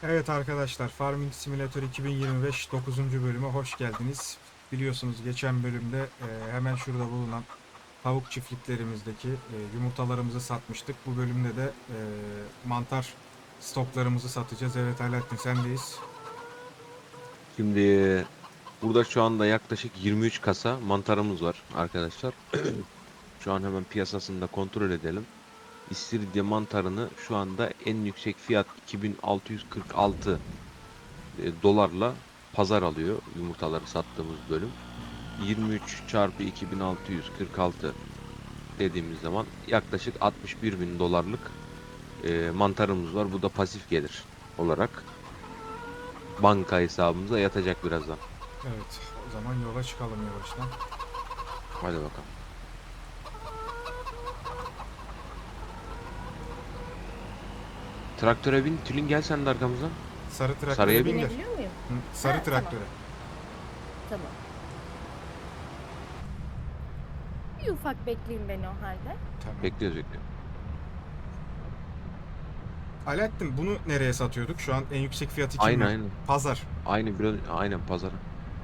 Evet arkadaşlar, Farming Simulator 2025 9. bölüme hoş geldiniz. Biliyorsunuz geçen bölümde hemen şurada bulunan tavuk çiftliklerimizdeki yumurtalarımızı satmıştık. Bu bölümde de mantar stoklarımızı satacağız. Evet Alaaddin, sendeyiz. Şimdi burada şu anda yaklaşık 23 kasa mantarımız var arkadaşlar. Şu an hemen piyasasını da kontrol edelim. İstiridye mantarını şu anda en yüksek fiyat 2646 dolarla pazar alıyor yumurtaları sattığımız bölüm. 23 çarpı 2646 dediğimiz zaman yaklaşık 61 bin dolarlık mantarımız var. Bu da pasif gelir olarak banka hesabımıza yatacak birazdan. Evet, o zaman yola çıkalım yavaştan. Hadi bakalım. Traktöre bin. Tülin gel sen de arkamızdan. Sarı traktöre Sarıya bin bin. gel. Binebiliyor muyum? Hı, sarı Ha, tamam. traktöre. Tamam. Bir ufak bekleyeyim beni o halde. Tamam. Bekliyoruz bekliyoruz. Alaaddin, bunu nereye satıyorduk? Şu an en yüksek fiyatı kim Aynı ver? aynı. Pazar. Aynı biraz aynen pazara.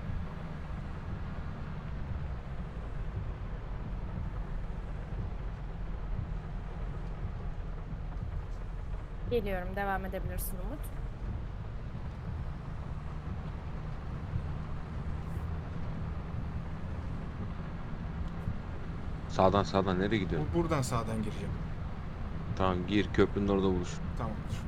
Geliyorum. Devam edebilirsin Umut. Sağdan nereye gidiyorsun? Buradan sağdan gireceğim. Tamam gir köprünün orada buluş. Tamamdır.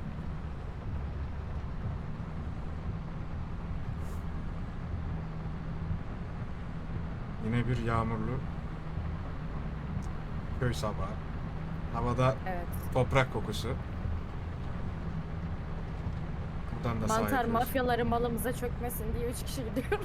Yine bir yağmurlu köy sabahı. Havada Evet. toprak kokusu. Buradan da sağ Mantar yapıyoruz. mafyaları malımıza çökmesin diye 3 kişi gidiyoruz.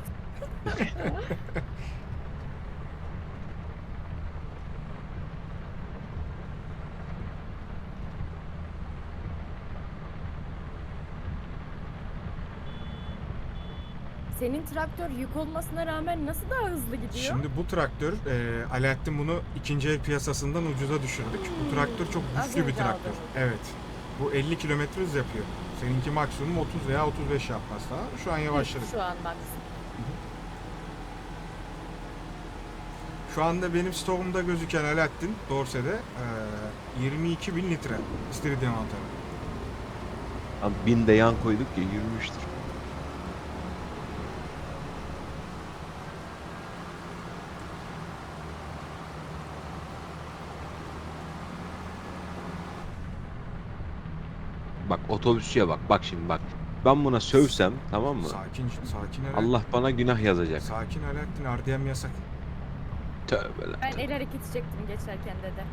Senin traktör yük olmasına rağmen nasıl daha hızlı gidiyor? Şimdi bu traktör, Alaaddin bunu ikinci el piyasasından ucuza düşürdük. Bu traktör çok Az güçlü bir önce traktör. aldım. Evet. Bu 50 kilometre hız yapıyor. Seninki maksimum 30 veya 35 yapmaz daha. Şu an yavaşladık. Şu an bak. Şu anda benim stoğumda gözüken Alaaddin Dorse'de 22 bin litre istiridye mantarı. Abi bin de yan koyduk ya yürümüştür. Bak otobüsçüye bak. Bak şimdi bak. Ben buna sövsem tamam mı? Sakin, sakin Alaaddin. Allah bana günah yazacak. Sakin Alaaddin, RDM yasak. Tövbe lan. Ben el hareketi çektim geçerken dedi.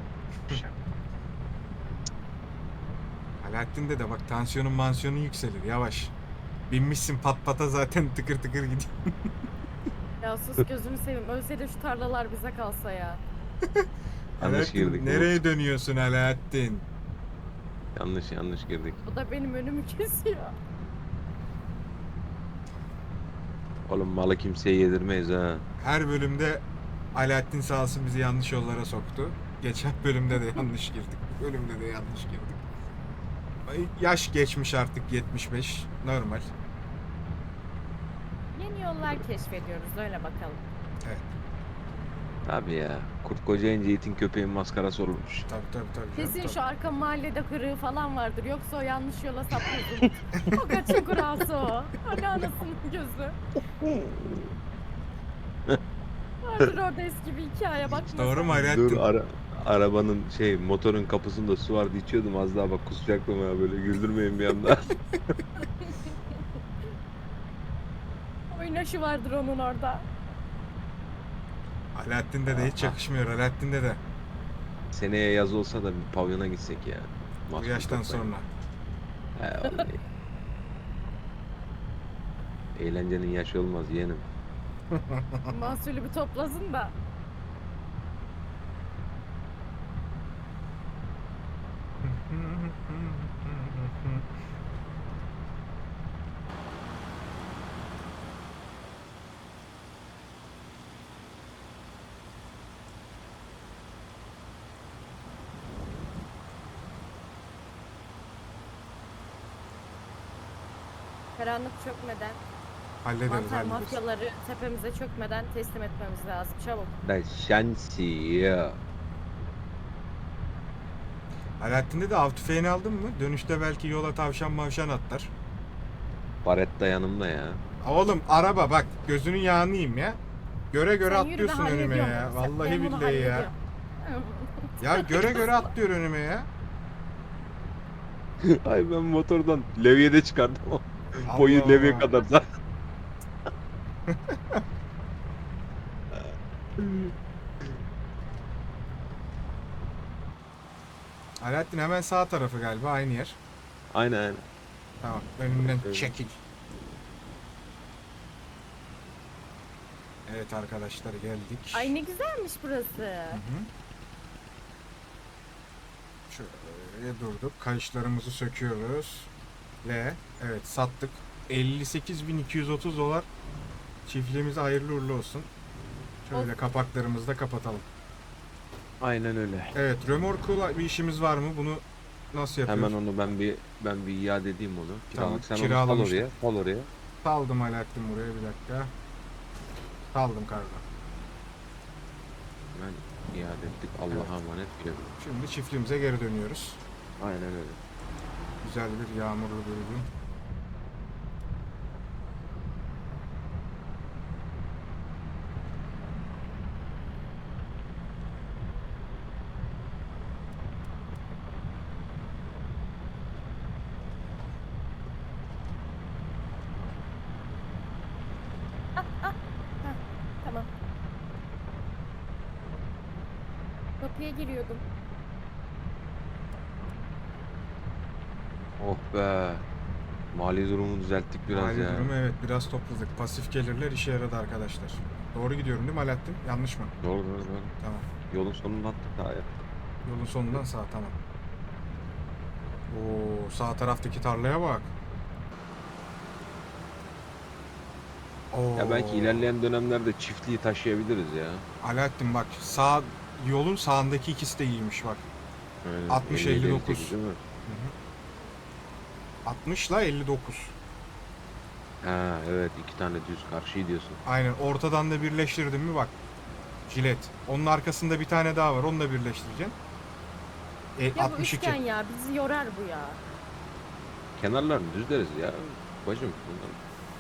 Alaaddin de bak, tansiyonun mansiyonun yükselir, yavaş. Binmişsin pat pata zaten, tıkır tıkır gidiyor. Ya sus gözünü seveyim. Ölse de şu tarlalar bize kalsa ya. Yanlış girdik. Alaaddin, nereye dönüyorsun Alaaddin? Yanlış girdik. Bu da benim önümü kesiyor. Oğlum malı kimseye yedirmeyiz ha. Her bölümde Alaaddin sağ olsun bizi yanlış yollara soktu. Geçen bölümde de yanlış girdik. Bu bölümde de yanlış girdik. Yaş geçmiş artık, 75. Normal. Yeni yollar keşfediyoruz öyle bakalım. Evet. Tabii ya. Kurt kocayınca itin köpeğin maskarası olurmuş. Tabii. Kesin Tabii. şu arka mahallede kırığı falan vardır. Yoksa o yanlış yola sapıyorsun. O kaçın kurası o. Hani anasının gözü. Vardır orada eski bir hikaye bakma. Doğru mu sen. Alaaddin? Dur arabanın motorun kapısında su vardı içiyordum az daha bak kusacaktım ya böyle güldürmeyin bir anda. Oynaşı vardır onun orada. Alaaddin de hiç yakışmıyor. Alaaddin de. Seneye yaz olsa da bir pavyona gitsek ya. Bu Mahsur yaştan toplayalım. sonra. He vallahi. Eğlencenin yaşı olmaz yeğenim. Mahsulü bir toplasın da. Karanlık çökmeden, Hallederiz mantar hallederiz. mafyaları tepemize çökmeden teslim etmemiz lazım. Çabuk. Da şansı ya. Alaaddin'de de av tüfeğini aldın mı? Dönüşte belki yola tavşan mavşan atlar. Baretta yanımda ya. Oğlum araba bak gözünün yağını yiyeyim ya. Göre göre Sen yürü, ben atlıyorsun önüme hallediyorum ya. bunu. Vallahi Ben bunu billahi ya. hallediyorum. Ya göre göre atlıyor önüme ya. Ay ben motordan levyede çıkardım. Allah Boyu levye Allah. kadar da. Alaaddin hemen sağ tarafı galiba aynı yer. Aynen aynen. Tamam önümden Öyle. çekil. Evet arkadaşlar geldik. Ay ne güzelmiş burası. Hı hı. Şöyle durduk. Kayışlarımızı söküyoruz. Ve evet sattık. 58.230 dolar. Çiftliğimize hayırlı uğurlu olsun. Şöyle kapaklarımızı da kapatalım. Aynen öyle. Evet, römorkla bir işimiz var mı? Bunu nasıl yapıyoruz? Hemen onu ben bir iade edeyim onu. Tamam, Kiralık sen onu kiralamıştık. sal oraya. Saldım Alaaddin buraya bir dakika. Saldım kargo. Hemen iade ettik. Allah'a emanet diyorum. Şimdi çiftliğimize geri dönüyoruz. Aynen öyle. Güzel bir yağmurlu bir gün. Tamam. Kapıya giriyordum. Oh be. Mali durumu düzelttik biraz Mali ya. durumu evet biraz topladık. Pasif gelirler işe yaradı arkadaşlar. Doğru gidiyorum değil mi Alaaddin? Yanlış mı? Doğru. Tamam. Yolun sonunda attık daha ya. Yolun sonundan sağ tamam. Oo sağ taraftaki tarlaya bak. Oo. Ya belki ilerleyen dönemlerde çiftliği taşıyabiliriz ya. Alaaddin bak sağ yolun sağındaki ikisi de iyiymiş bak. Aynen. 60, 50, 59. 58 değil mi? 60 ile 59. Ha evet, iki tane düz karşıyı diyorsun. Aynen ortadan da birleştirdim mi bak. Jilet. Onun arkasında bir tane daha var. Onu da birleştireceksin. Ya bu 62. üçgen ya bizi yorar bu ya. Kenarlarını düzleriz ya. Bacım bunlar.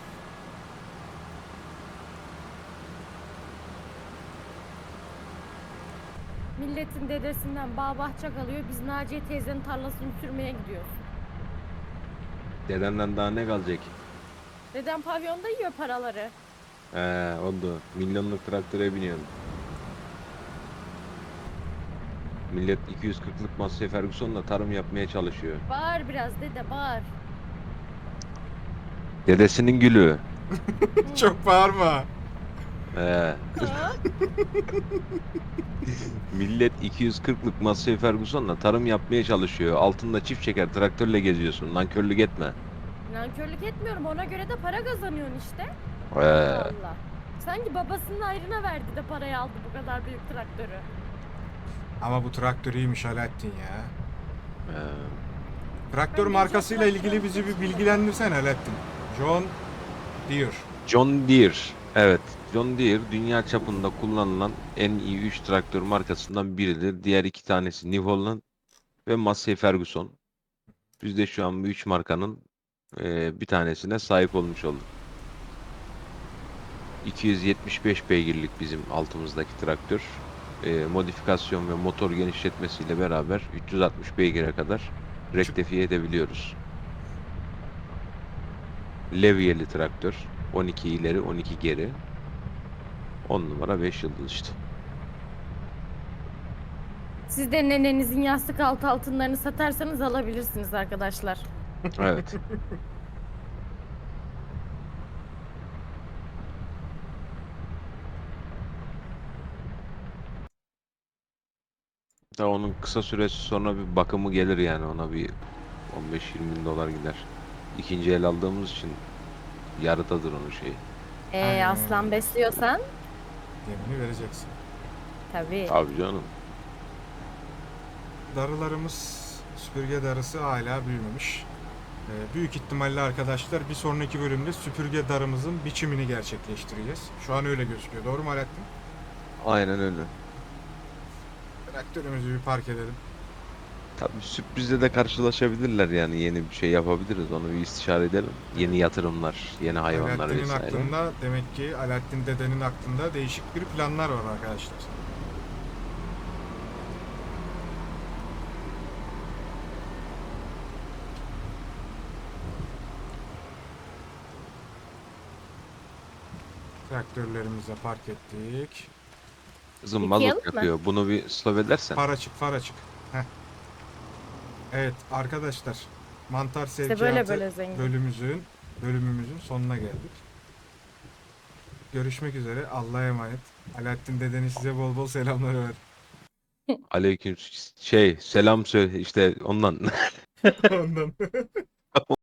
Milletin dedesinden bağ bahçe kalıyor. Biz Naciye teyzenin tarlasını sürmeye gidiyoruz. Dedenden daha ne kalacak? Dedem pavyonda yiyor paraları. Oldu. Milyonluk traktöre biniyorsun. Millet 240'lık Massey Ferguson'la tarım yapmaya çalışıyor. Bağır biraz dede bağır. Dedesinin gülü. Çok bağırma. He. Millet 240'lık Massey Ferguson'la tarım yapmaya çalışıyor. Altında çift çeker traktörle geziyorsun. Nankörlük etme. Nankörlük etmiyorum ona göre de para kazanıyorsun işte. Ee, Allah Allah. Sanki babasının ayrına verdi de parayı aldı bu kadar büyük traktörü. Ama bu traktör iyiymiş Alaaddin ya. ee, Traktör Ben markasıyla geçen ilgili bizi bir bilgilendirsen Alaaddin. John Deere. John Deere. Evet. John Deere dünya çapında kullanılan en iyi 3 traktör markasından biridir. Diğer iki tanesi New Holland ve Massey Ferguson. Biz de şu an bu 3 markanın bir tanesine sahip olmuş olduk. 275 beygirlik bizim altımızdaki traktör. Modifikasyon ve motor genişletmesiyle beraber 360 beygire kadar rektifiye edebiliyoruz. Levyeli traktör. 12 ileri 12 geri. 10 numara 5 yıldız işte. Siz de nenenizin yastık altı altınlarını satarsanız alabilirsiniz arkadaşlar. Evet. Da onun kısa süresi sonra bir bakımı gelir yani, ona bir 15-20 bin dolar gider. İkinci el aldığımız için yarıdadır onun şeyi. Aynen. Aslan besliyorsan Yemini vereceksin. tabii. Abi canım. Darılarımız süpürge darısı hala büyümemiş. Büyük ihtimalle arkadaşlar bir sonraki bölümde süpürge darımızın biçimini gerçekleştireceğiz. Şu an öyle gözüküyor. Doğru mu Alaaddin? Aynen öyle. Traktörümüzü bir park edelim. Tabii sürprizle de karşılaşabilirler yani yeni bir şey yapabiliriz onu bir istişare edelim. Yeni yatırımlar, yeni hayvanlar Alaaddin'in vesaire. aklında demek ki Alaaddin dedenin aklında değişik bir planlar var arkadaşlar. Traktörlerimizi park ettik. Kızım Yıkayalım mazot mı? yakıyor. Bunu bir stop edersen. Far açık, far açık. Heh. Evet arkadaşlar, mantar İşte sevkiyatı böyle zengin. bölümümüzün sonuna geldik. Görüşmek üzere. Allah'a emanet. Alaaddin dedeni size bol bol selamlar ver. Aleyküm selam söyle işte ondan. Ondan.